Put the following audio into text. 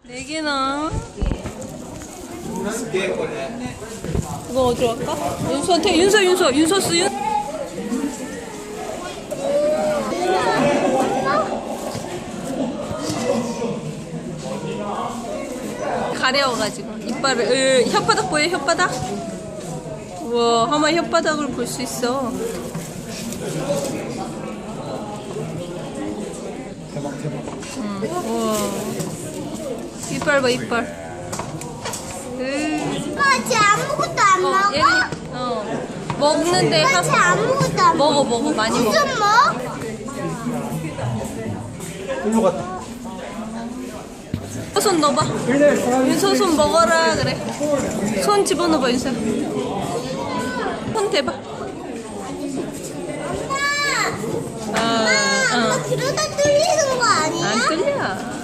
4개나. 이거 어디로 갈까? 윤서한테 윤서 쓰윤. 가려워가지고 이빨을 혓바닥 보여? 혓바닥? 우와, 하마 혓바닥을 볼 수 있어. 우와, 이빨 봐, 이빨. 쟤 아무것도 안 먹어? 얘는 먹는데 쟤 아무것도 안 먹어. 먹어 많이 먹어. 좀 먹어? 일로 갔다. 손 넣어봐. 윤서 손 먹어라 그래. 손 집어넣어봐 윤서. 손 대봐. 엄마, 엄마 그러다 뚫리는 거 아니야? 안 뚫려.